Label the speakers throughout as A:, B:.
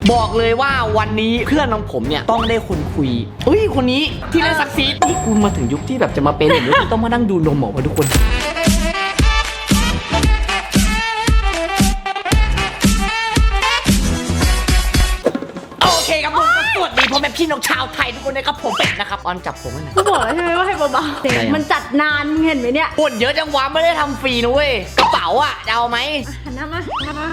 A: บอกเลยว่าวันนี้เพื่อนของผมเนี่ยต้องได้คนคุยเฮ้ยคนนี้ที่เล่นซักซีดนี่กูมาถึงยุคที่แบบจะมาเป็นอย่างนี้ต้องมานั่งดูนมหมอมาทุกคนโอเคครับผมสวัสดีพ่อแม่พี่น้องชาวไทยทุกคนนะครับผมเป็ดนะครับออนจับผมไว้หน่อย
B: กูบอกแล้วใช่ไหมว่าให้เบาๆเสียงมันจัดนานมึงเห็นไหมเนี่ย
A: ปวดเยอะจังวะไม่ได้ทำฟรีนะเว้ยกระเป๋าอ่ะจะเอาไหม
B: หันหน้ามา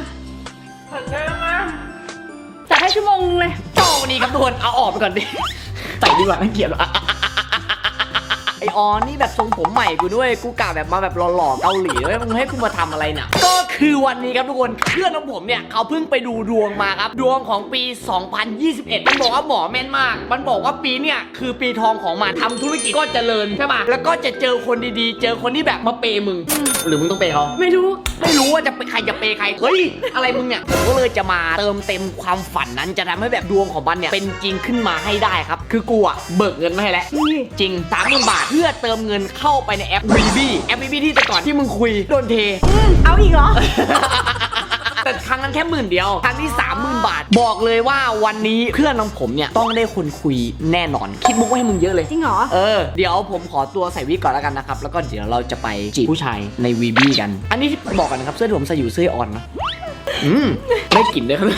B: จัดให้ชั่วโมงนึงเลย
A: โจ้วันนี้ครับทุกคนเอาออกไปก่อนดิใส่ดีกว่าน่าเกลียดไอออนนี่แบบทรงผมใหม่กูด้วยกูกะแบบมาแบบหล่อๆเกาหลีเลยมึงให้กูมาทำอะไรเนี่ยก็คือวันนี้ครับทุกคนเพื่อนของผมเนี่ยเขาเพิ่งไปดูดวงมาครับดวงของปี 2021 มันบอกว่าหมอแม่นมากมันบอกว่าปีเนี่ยคือปีทองของมันทำธุรกิจก็เจริญใช่ป่ะแล้วก็จะเจอคนดีๆเจอคนที่แบบมาเปย์มึงหรือมึงต้องเปย์เขา
B: ไม่รู้
A: ว่าจะเป็นใครจะเปย์ใครเฮ้ยอะไรมึงเนี่ยผมก็เลยจะมาเติมเต็มความฝันนั้นจะทำให้แบบดวงของมันเนี่ยเป็นจริงขึ้นมาให้ได้ครับคือกูอะเบิกเงินมาให้แล้วจริง 30,000 บาทเพื่อเติมเงินเข้าไปในแอป VB แอป VB ที่แต่ก่อนที่มึงคุยโดนเท
B: เอาอีกเหรอ
A: แต่ครั้งนั้นแค่10,000 เดียวครั้งที่ 30,000 บาทบอกเลยว่าวันนี้เพื่อนของผมเนี่ยต้องได้คนคุยแน่นอนคิดมุกไว้ให้มึงเยอะเลย
B: จริงเหรอ
A: เดี๋ยวผมขอตัวใส่วิกก่อนแล้วกันนะครับแล้วก็เดี๋ยวเราจะไปจีบผู้ชายใน VB กันอันนี้บอกกันนะครับเสื้อที่ผมใส่อยู่เสื้ออ่อนนะได้กลิ่นด้วยครับ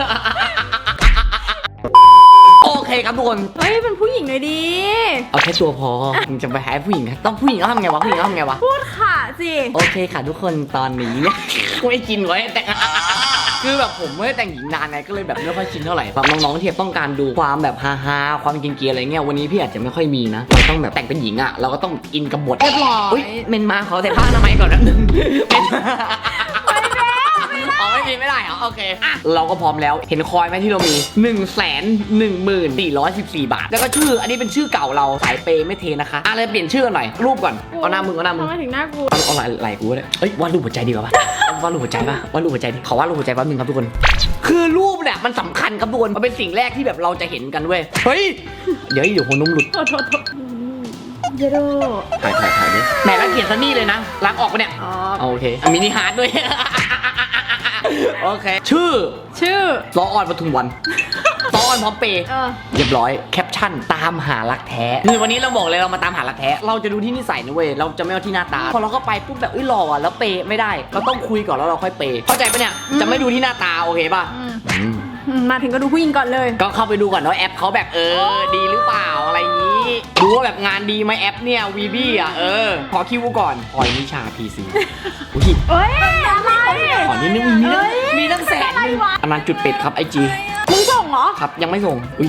A: โอเคครับทุกคน
B: เฮ้ยเป็นผู้หญิงเลยดี
A: เอาแค่ตัวพอมึงจะไปหาผู้หญิงต้องผู้หญิงต้องทำไงวะผู้หญิงต้องทำไงวะ
B: พูดค่ะสิ
A: โอเคค่ะทุกคนตอนนี้เนี่ยไม่กินไว้แต่คือแบบผมไม่ได้แต่งหญิงนานไงก็เลยแบบไม่ค่อยชินเท่าไหร่แบบน้องๆที่ต้องการดูความแบบฮาๆความกินเกียร์อะไรเงี้ยวันนี้พี่อาจจะไม่ค่อยมีนะเราต้องแบบแต่งเป็นหญิงอ่ะเราก็ต้องอินกับบท
B: เรียบร้อย
A: เมนมาขอแต่ผ้าอนามัยก่อนนะไม่ได้เหรอโอเคเราก็พร้อมแล้วเห็นคอยไหมที่เรามี 114,414 บาทแล้วก็ชื่ออันนี้เป็นชื่อเก่าเราสายเปย์ไม่เทนะคะอะไรเปลี่ยนชื่อหน่อยรูปก่อนเอาหน้ามึง
B: ทำไมถึงหน้ากู
A: เอาไหล่กูเลยวาดรูปหัวใจดีกว่าปะวาดรูปหัวใจป่ะวาดรูปหัวใจดิขอวาดรูปหัวใจแป๊บนึงครับทุกคนคือรูปเนี่ยมันสำคัญครับทุกคนมันเป็นสิ่งแรกที่แบบเราจะเห็นกันเว้ยเฮ้ยเดี๋ยวหัวนมหลุด
B: โทษเยโด
A: ถ่ายดิแหมแล้วเขียนซันนี่เลยนะล้างออกปะเนี่ยโอเคมินิฮาร์ดด้วยโอเคชื่อซอออนปทุมวันซอออนพร้อมเปย์เรียบร้อยแคปชั่นตามหารักแท้คือวันนี้เราบอกเลยเรามาตามหารักแท้เราจะดูที่นิสัยนะเว้ยเราจะไม่เอาที่หน้าตาพอเราก็ไปปุ๊บแบบหล่ออ่ะแล้วเปย์ไม่ได้เราต้องคุยก่อนแล้วเราค่อยเปย์เข้าใจปะเนี่ยจะไม่ดูที่หน้าตาโอเคป่ะ
B: มาถึงก็ดูผู้หญิงก่อนเลย
A: ก็เข้าไปดูก่อนว่าแอปเขาแบบดีหรือเปล่าอะไรนี้ดูว่าแบบงานดีไหมแอปเนี่ย VB อ่ะขอคิวก่อนพลอยนิชา PC อุ้ย
B: อะไร
A: ขอนิดนึงมีตั้งแสนนึงอันนั้นจุดเป็ดครับ IG
B: มึงส่งเหรอ
A: ครับยังไม่ส่งอุ้ย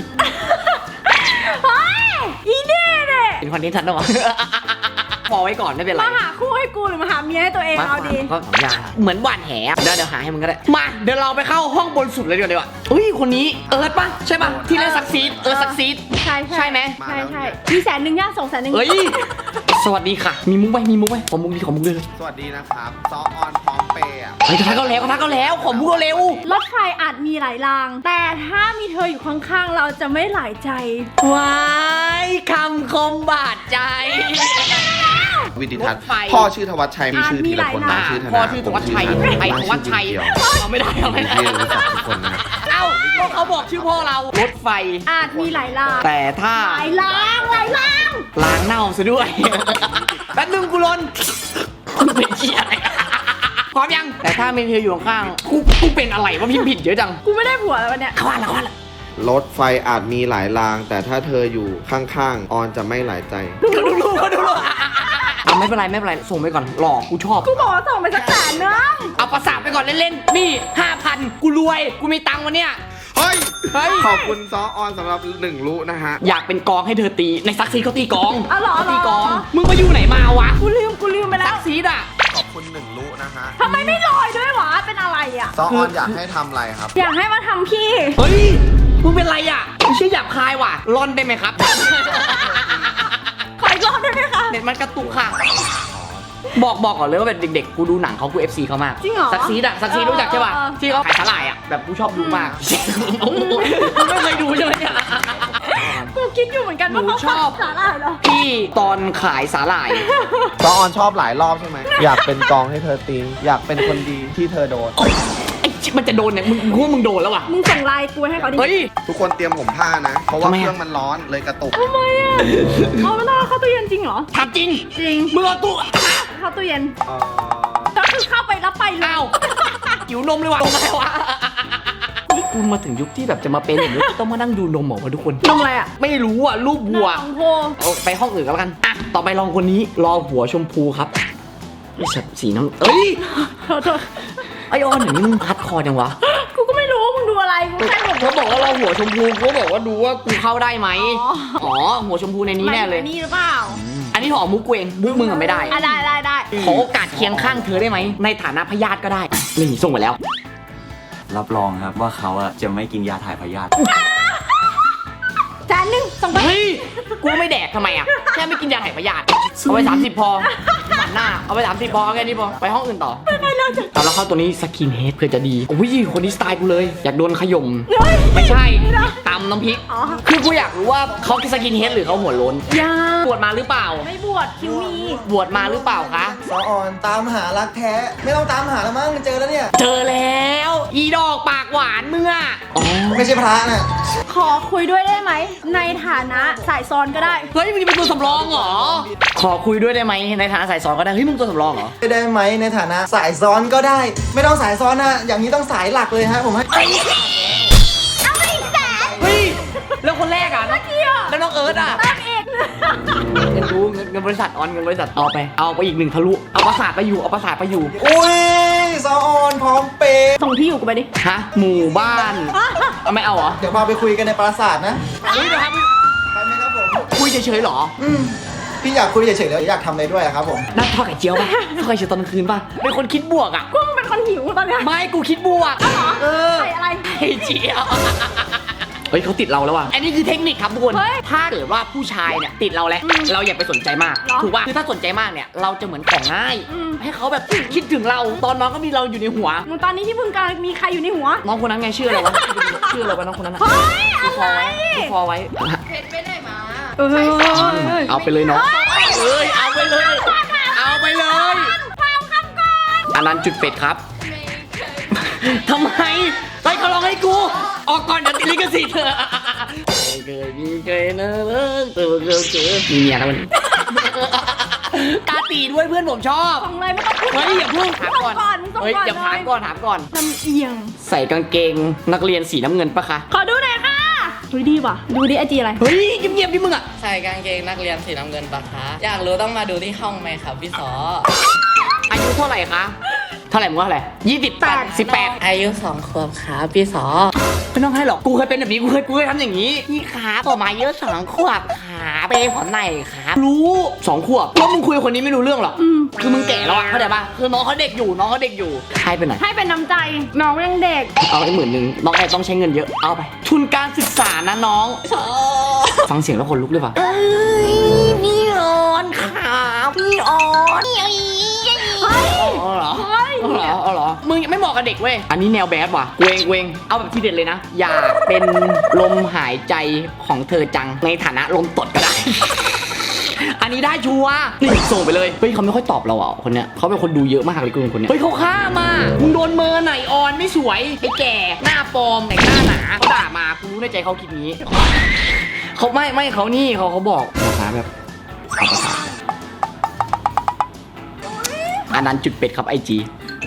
B: อีเน่เลย
A: เป็นคอนเทนต์ทันหรอพอไว้ก่อนไม่เป็นไร
B: มาหาคู่ให้กูหรือมาหาเมียให้ตัวเองเอาดี
A: ก็2 อย่างเหมือนหวานแหเดี๋ยวหาให้มึงก็ได้มาเดี๋ยวเราไปเข้าห้องบนสุดเลยดีกว่าอุ้ยคนนี้ป่ะใช่ป่ะที่เล่นซักซีดซักซีดใช่ไหม
B: ใช่มี100,000ย่าง200,000
A: เฮ้ยสวัสดีค่ะมีมุ้งไหมขอมุ้งเลย
C: สวัสดีนะครับซอออนพร้อมเปย์
A: ไปทักก็แล้วขอมุ้งเร็ว
B: รถไฟอาจมีหลายรางแต่ถ้ามีเธออยู่ข้างๆเราจะไม่หลายใจ
A: ว้ายคำคมบาดใจ
C: วิดิทัศน์พ่อชื่อธวัชชัยมีชื่อทีละคนนะชื่อธนา
A: พ่อชื่อธวัชชัยธวัชชัยเราไม่ได้
C: ที่รู้จักทุกคนนะ
A: เขาบอกชื่อพ่อเรารถไฟ
B: อาจมีหลายราง
A: แต่ถ้า
B: หลายราง
A: ล้างเน่าซะด้วยแป๊บนึงกูลนเป็นเชี่ยอะไรพร้อมยังแต่ถ้าเมเธออยู่ข้างกูเป็นอะไรวะพิมพ์ผิดเยอะจัง
B: กูไม่ได้ผัวแล้ววันเนี้ย
A: เข้าละ
C: รถไฟอาจมีหลายรางแต่ถ้าเธออยู่ข้างๆออนจะไม่หลายใจ
A: ดูไม่เป็นไรส่งไปก่อนหลอกกูชอบ
B: กูบอกว่าส่งไปสัก100,000นึง
A: เอาประสาทไปก่อนเล่นๆนี่ 5,000 กูรวยกูมีตังค์วันเนี้ย
C: เฮ้ยขอบคุณซอออนสำหรับ1 รู้นะฮะ
A: อยากเป็นกองให้เธอตีในซักซีเขาตีกอง
B: ตี
A: กองมึงไปอยู่ไหนมาวะ
B: กูลืมไปแล้ว
A: ซักซีอ่ะ
C: ขอบคุณ1 รู้นะฮะ
B: ทำไมไม่ลอยด้วยวะเป็นอะไรอ่ะ
C: ซอออนอยากให้ทำอะไรครับ
B: อยากให้มาทำพี่
A: เฮ้ยมึงเป็นไรอ่ะไม่ใช่หยาบคายว่ะร่อนได้ไหมครับ
B: ขออีกรอบได้ไหมคะ
A: เน็ตมันกระตุกค่ะบอกก่อนเลยว่าแบบเด็กๆกูดูหนังเขากู FC เขามาก
B: จริงเหรอ
A: ซักซีรู้จักใช่ป่ะที่เขาขายสาหร่ายอ่ะแบบกูชอบดูมากไม่เคยดูใช่ไหมเนี่ย
B: กูคิดอยู่เหมือนกันว่าเขาชอบสาหร่ายเหรอ
A: พี่ตอนขายสาหร่าย
C: ซอออนชอบหลายรอบใช่ไหมอยากเป็นกองให้เธอตีอยากเป็นคนดีที่เธอโดน
A: ไอ้มันจะโดนเนี่ยมึงว่ามึงโดนแล้วว่ะ
B: มึงส่งไลน์กูให้เขาดิ
A: เฮ้ย
C: ทุกคนเตรียมผมผ้านะ เพราะว่า
A: ทำไมอะ
C: เครื่องมันร้อนเลยกระตุก
B: ทำไมอ่ะเอาไม่ต้องเข้าตู้เย็นจริงเหรอ
A: ทำจริง
B: จริง
A: มึงเอาตู้
B: เข้าตู้เย็น
C: เอ่อ
B: ก็คือเข้าไปแล้วไปเลย
A: อ้าวหิวนมเลยว่ะตรงไหนวะนี่กูมาถึงยุคที่แบบจะมาเป็นอย่างนี้ต้องมานั่งดูนมเหรอวะทุกคน
B: นมอะไรอ่ะ
A: ไม่รู้อ่ะรูปวัว
B: น้องโพ
A: เอาไปห้องอื่นก็แล้วกันอ่ะต่อไปลองคนนี้รอหัวชมพูครับไอ้สัตว์สีน้ำเอ้ย
B: โทษ
A: ไอออนอย่างนี้มึงพัดคอจังวะ
B: กูก็ไม่รู้ว่ามึงดูอะไรกูแค่แบบ
A: เขาบอกว่าเราหัวชมพูเขาบอกว่าดูว่ากูเข้าได้ไหม
B: อ๋อ
A: อ๋อหัวชมพูในนี้แน่เลย
B: นี่หรือเปล่า
A: อันนี้หอมุกกูเองมุกมึงอะไม่ได้
B: อ่ะได้
A: ขอโอกาสเคียงข้างเธอได้ไหมในฐานะพยาธิก็ได้นี่ส่งไปแล้ว
D: รับรองครับว่าเขาอะจะไม่กินยาถ่ายพยาธิ
B: จานหนึ่งส่งไป
A: เฮ้ยกูไม่แดกทำไมอ่ะแค่ไม่กินยาถ่ายพยาธิเอาไป30พอหมันหน้าเอาไป30พอแค่นี้พอไปห้องอื่นต่อเอาแล้วเข้าตัวนี้สกินเฮดเพื่อจะดีอุ้ยคนนี้สไตล์กูเลยอยากโดนขย่มไม่ใช่ตำน้ำพริก
B: อ๋อ
A: คือกูอยากรู้ว่าเขาสกินเฮดหรือเขาหัวโล้น
B: ยา
A: บวชมาหรือเปล่า
B: ไม่บวชคิวมี
A: บวชมาหรือเปล่าคะ
E: สาวอ่อนตามหารักแท้ ไม่ต้องตามหาแล้วมั้งเจอแล้วเนี่ย
A: เจอแล้วอีดอกปากหวานมึงอ่ะอ๋อ
E: ไม่ใช่พระน่ะ
B: ขอคุยด้วยได้ไหมในฐานะสายซ้อนก็ได้
A: เฮ้ยมึงจะเป็นตัวสำรองเหรอขอคุยด้วยได้ไหมในฐานะสายสอนก็ได้เฮ้ยมึงตัวสำรองเหรอ
E: ได้ไหมในฐานะสายซ้อนก็ได้ ไม่ต้องสายซ้อนนะอย่างนี้ต้องสายหลักเลยฮะผมให้
B: เอาไปอีกแสน
A: เฮ้ยแล้วคนแรกอ่ะ
B: เกี่ยว
A: แล้วน้องเอิร์ธอ่ะ
B: เติมอีก
A: เงินรู้เงินบริษัทออนเงินบริษัทเอาไปอีก1ทะลุเอาประสาทไปอยู่เอาประสาทไปอยู่
E: อุ้ยสาวอ่อนพร้อมเปย์
B: ส่งที่อยู่กูไปดิ
A: ฮะหมู่บ้านเอาไม่เอาเหรอ
E: เดี๋ยวพาไปคุยกันในปราสาทนะ
A: เฮ้ยเดี๋ยวครับ
E: ไปไหมครับผม
A: คุยเฉยๆเหรอ
E: พี่อยากคุยเฉยๆแล้วอยากทำอะไรด้วยอะครับผม
A: นั่นทอดไข่เจียวป่ะทอดไข่เจียวตอนกลางคืนป่ะเป็นคนคิดบวกอ่ะ
B: กูเป็นคนหิวตอนเนี้ย
A: ไม่กูคิดบวกเออ
B: ใส่อะไร
A: ไข่เจียวเฮ้ยเขาติดเราแล้วว่ะอันนี้คือเทคนิคครับทุกคน
B: เฮ้ย
A: ถ้าเกิดว่าผู้ชายเนี่ยติดเราแล้วเราอย่าไปสนใจมาก
B: เหรอ
A: ถูกป่ะคือถ้าสนใจมากเนี่ยเราจะเหมือนของง่าย
B: อืม
A: ให้เขาแบบคิดถึงเราตอนน้องก็มีเราอยู่ในหัว
B: มึงตอนนี้ที่มึงกำลังมีใครอยู่ในหัว
A: น้องคนนั้นไงชื่ออะไรวะชื่ออะไรวะน้องคนนั้นอะ
B: เฮ้ย
A: กูคอไว้กูคอไว้
B: เออ
A: เอาไปเลยน้องเอ้ยเอาไปเลย เอาไปเลยอันนั้นจุดเป็ดครับทำไมไปเขาร้องให้กู ออกก่อนเดี๋ยวติดลิขสิทธิ์เธอไม่เคยมีใครนะเลิกเจอมีเมียแล้วมันตาตีด้วยเพื่อนผมชอบ
B: ส่งเลยไม่ต้องพูด
A: เฮ้ยอย่าเพิ่งถามก่อน
B: มึงส่ง
A: เฮ้ย
B: ก่อน
A: อย่าถามก่อนถามก่อน
B: ลำเอียง
A: ใส่กางเกงนักเรียนสีน้ำเงินปะคะ
B: ขอดูหน่อยค่ะเฮ้ยดีว่ะ ดูดิไอจีอะไร
A: เฮ้ยเงียบๆดิมึงอะ
F: ใส่กางเกงนักเรียนสีน้ำเงินปะคะ อยากรู้ต้องมาดูที่ห้องไหมครับพี่สอ
A: อายุเท่าไหร่คะเท่าไหร่มึงว่าเท่าไหร่18
F: อายุ2 ขวบครับพี่สอ
A: ไม่ต้องให้หรอก กูเคยเป็นแบบนี้ กูเคยทำอย่างนี้ พี่ขาต่อมาเยอะ2 ขวบขาเปย์ผมหน่อยครับรู้2 ขวบแล้วมึงคุยกับคนนี้ไม่รู้เรื่องหรอกคือมึงแก่แล้วอะเข้าใจปะคือน้องเขาเด็กอยู่ให้ไปหน่อย
B: ให้เป็นน้ำใจ น้องยังเด็ก
A: เอาไป10,000น้องแอบต้องใช้เงินเยอะ เอาไป ทุนการศึกษานะน้อง ฟังเสียงแล้วคนลุกเลยป่ะพี่ออนขาพี่ออนเอาเหรอ
B: เฮ้ย
A: เอาเหรอ มึงไม่เหมาะกับเด็กเว้ย อันนี้แนวแบดว่ะเวง เอาแบบที่เด็ดเลยนะ อยากเป็นลมหายใจของเธอจัง ในฐานะลมตดก็ได้ อันนี้ได้ชัวร์นี่ส่งไปเลย เฮ้ยเขาไม่ค่อยตอบเราอ่ะคนเนี้ยเขาเป็นคนดูเยอะมากเลยคนเนี้ย เฮ้ยเขาฆ่ามามึงโดนเมินไหนออนไม่สวยไอ้แก่ หน้าปลอมแต่งหน้าหนาเขาด่ามากูรู้ในใจเขาคิดนี้ เขาไม่เขานี่เขาบอกภาษาแบบเอาภาษาอันนั้นจุดเป็ดครับไอจี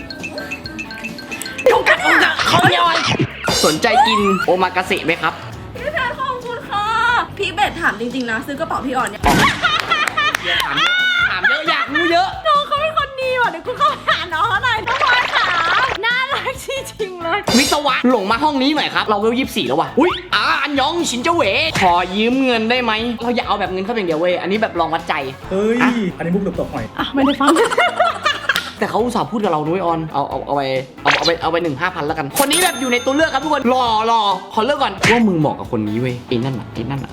A: เขาไม่ออนสนใจกินโอมากาเสะไหมครับ
B: พี่แพรขอบคุณค่ะ พี่เบสถามจริงๆนะ ซื้อกระเป๋าพี่อ่อนเนี่ย
A: ถามเยอะอยากรู้เยอะ
B: น้องเขาเป็นคนดีว่ะเดี๋ยวกูเข้าไปหาน้องเขาหน่อยน้องพลอยขาน่ารักจริงๆเลย
A: วิศวะหลงมาห้องนี้หน่อยครับ เราเวล24แล้วว่ะอุ้ยอันยองชินเจ้าเหวขอยืมเงินได้ไหมเราอย่าเอาแบบเงินเข้าอย่างเดียวเว้ยอันนี้แบบลองวัดใจ
G: เฮ้ย
A: อ่ะ
G: อันนี้มุกตบหน่อย
B: อ่ะไม่ได้ฟัง
A: แต่เขาอุตส่าห์พูดกับเราด้วยออนเอาไป1,500แล้วกัน คนนี้แบบอยู่ในตัวเลือกครับทุกคนรอขอเลือกก่อนว่ามึงเหมาะกับคนนี้เว้ยไอ้นั่นอ่ะ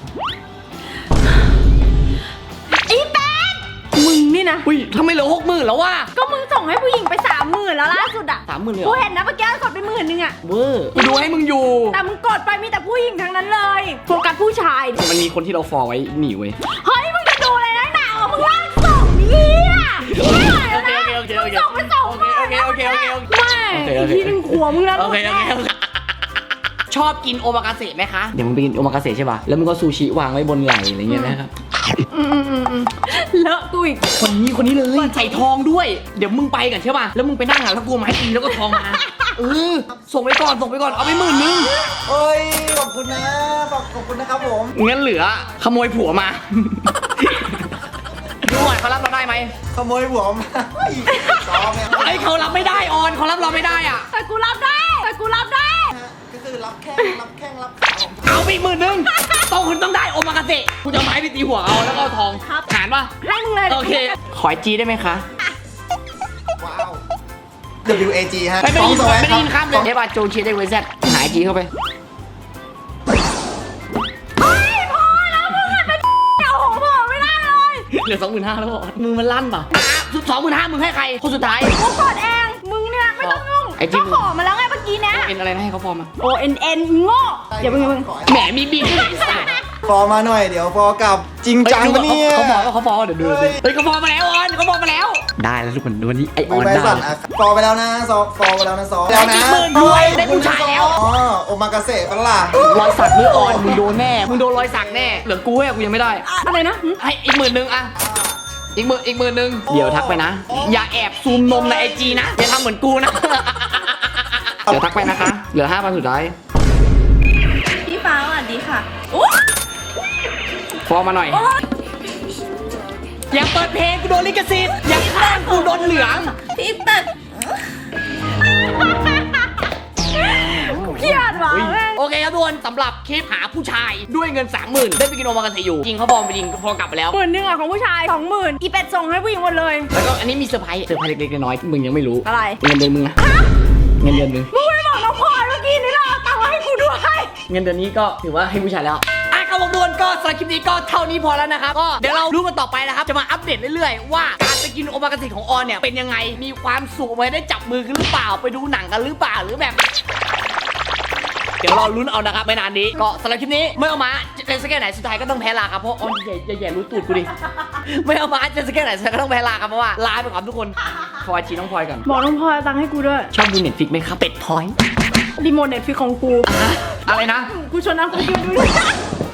B: อีแป๊ดมึงนี่นะ
A: อุ้ยทำไมเหลือ60,000แล้ววะ
B: ก็มึงส่งให้ผู้หญิงไป30,000แล้วล่าสุดอ่ะ
A: 30,000เลยเหร
B: กู
A: อ
B: เห็นนะเมื่อกี้กดไป10,000อ่ะ
A: เวอร์กูดูให้มึงอยู่
B: แต่มึงกดไปมีแต่ผู้หญิงทั้งนั้นเลย โฟกัสผู้ชายดิ
A: มันมีคนที่เราฟอลไว้หนีเว้ย
B: เฮ้ยมึงจะดูอะไรนักหนาวะมึงลากส่งนี่อ่ะไม่ไหวแล้วนะ
A: โอเค
B: มึงส่งไป20,000
A: โอเค
B: ไม่
A: โอเค
B: อีกทีหนึ่งขวมึงนะ
A: โอเคชอบกินโอมากาเสะไหมคะเดี๋ยวมึงไปกินโอมากาเสะใช่ป่ะแล้วมึงก็ซูชิวางไว้บนไหล่อะไรเงี้ยนะครับ
B: เลอะกูอีก
A: คนนี้เลยใส่ทองด้วย เดี๋ยวมึงไปกันใช่ป่ะแล้วมึงไปนั่งแล้วกูไม้ตีแล้วก็ทองมาส่งไปก่อนเอาไป10,000 นึง
E: เอ้ยขอบคุณนะขอบคุณนะครับผม
A: งั้นเหลือขโมยผัวมาดูหน่อยเขารับเราได้ไหม
E: ขโมยหัวมาซ้อมเนี่ย
A: ไอ้เขารับไม่ได้ออนเขารับเราไม่ได้อ่ะ
B: แต่กูรับได้
E: ก็คือรับแข้งรับขาของ
A: เอาไป10,000 นึงต้องได้โอมากาเสะกูจะเอาไม้ไปตีหัวเอาแล้วก็เอาทองหารป่ะ
B: ให้มึงเลย
A: โอเคขอจีได้ไหมคะ
E: ว้าว WAG ฮะ
A: ไม่ได้ยิน
E: สอง
A: ไม่ได้ยิน
E: ค
A: ข้า
E: รั
A: ม
E: บ
A: เลยเทปาโจนเชียร์ได้เวซหายจีเข้าไป
B: เอาของผมไม่ได้เลย
A: เหลือ 25,000 แล้วบอกมือมันลั่นป่ะ25,000 มึงให้ใครคนสุดท้าย
B: กูกดเองมึงเนี่ยไม่ต้องยุ่ง
A: ไอ้จิ๊
B: ก็
A: บ
B: ขอมาแล้วไงเมื่อกี้นะ
A: เป็นอะไรนะให้เขาฟอร์มมา
B: ONN โง่อย่าเพิ่ง
A: แหมมีบีด้วย
E: ฟอร์มาหน่อยเดี๋ยวฟอร์กลับจริงจังปะเนี่ย
A: เขาฟอร์เดี๋ยวดูสิเฮ้ยเขาฟอร์มาแล้วออนเขาฟอร์มาแล้ว ได้แล้วทุกคนวันนี้ไออ
E: มื
A: อ
E: อน ไม้
A: ได้
E: สั่นอ่ะฟอร์ไปแล้วนะฟอร์ไปแล้วนะซอแล้วนะ
A: 10,000ด้วยได้ผู้ชายแล้ว
E: อ๋อโอมากาเสะปะล่ะ
A: รอยสักมืออ่อนมึงโดนแน่มึงโดนรอยสักแน่เหลือกูให้กูยังไม่ได้
B: อะไรนะ
A: ให้อีก10,000 นึงอะอีกหมื่นนึงเดี๋ยวทักไปนะ อย่าแอบซูมนมในไอจีนะอย่าทำเหมือนกูนะเดี๋ยวทักไปนะคะเหลือ 5,000 สุดท้าย
B: พี่ฟ้าสวัสดีค่ะ
A: ฟอร์มาหน่อยอย่าเปิดเพลงกูโดนลิขสิทธิ์อย่าข้างกูโดนเหลือง
B: พี่เป็ดเครียดว่ะแม่ง
A: โอเคครับทุกคนสำหรับคลิปหาผู้ชายด้วยเงิน 30,000 ได้ไปกินโอมากาเสะอยู่จริงเขาบอมไปจริงพอกลับไปแล้ว
B: 10,000อะของผู้ชาย 20,000อีเป็ดส่งให้ผู้หญิงหมดเลย
A: แล้วก็อันนี้มีเซอร์ไพรส์เล็กๆน้อยๆมึงยังไม่รู้
B: อะไร
A: เงินเดือนมึงนะเงินเดือนมึง
B: มึงไม่บอกน้องพลอยเมื่อกี้นี่หรอตังค์มาให้กูด้วย
A: เงินเดือนนี้ก็ถือว่าให้ผู้ชายแล้วครับผมทุกคนก็สำหรับคลิปนี้ก็เท่านี้พอแล้วนะครับก็เดี๋ยวเราดูกันต่อไปนะครับจะมาอัปเดตเรื่อยๆว่าการไปกินโอมากาเสะของออนเนี่ยเป็นยังไงมีความสุขไหมได้จับมือกันหรือเปล่าไปดูหนังกันหรือเปล่าหรือแบบ เดี๋ยวรอลุ้นเอานะครับไม่นานนี้ก็สำหรับคลิปนี้ไม่เอามาจะสแกนไหนสุดท้ายก็ต้องแพ้ลาครับเพราะออนอย่ารู้ตูดกูดิไม่เอามาจะสแกนไหนสุดท้ายก็ต้องแพ้ลาครับเพราะว่าลาไปก่อนทุกคนพลอยจีน้องพลอยกัน
B: บอกน้องพลอยเอาตังค์ให้กูด้วย
A: ชอบดูเน็ตฟิกไหมครับเป็ดพลอย
B: รีโมทเน็ตฟลิกของกู
A: อะไรนะ
B: กูชวนน้ำกูกินด้วย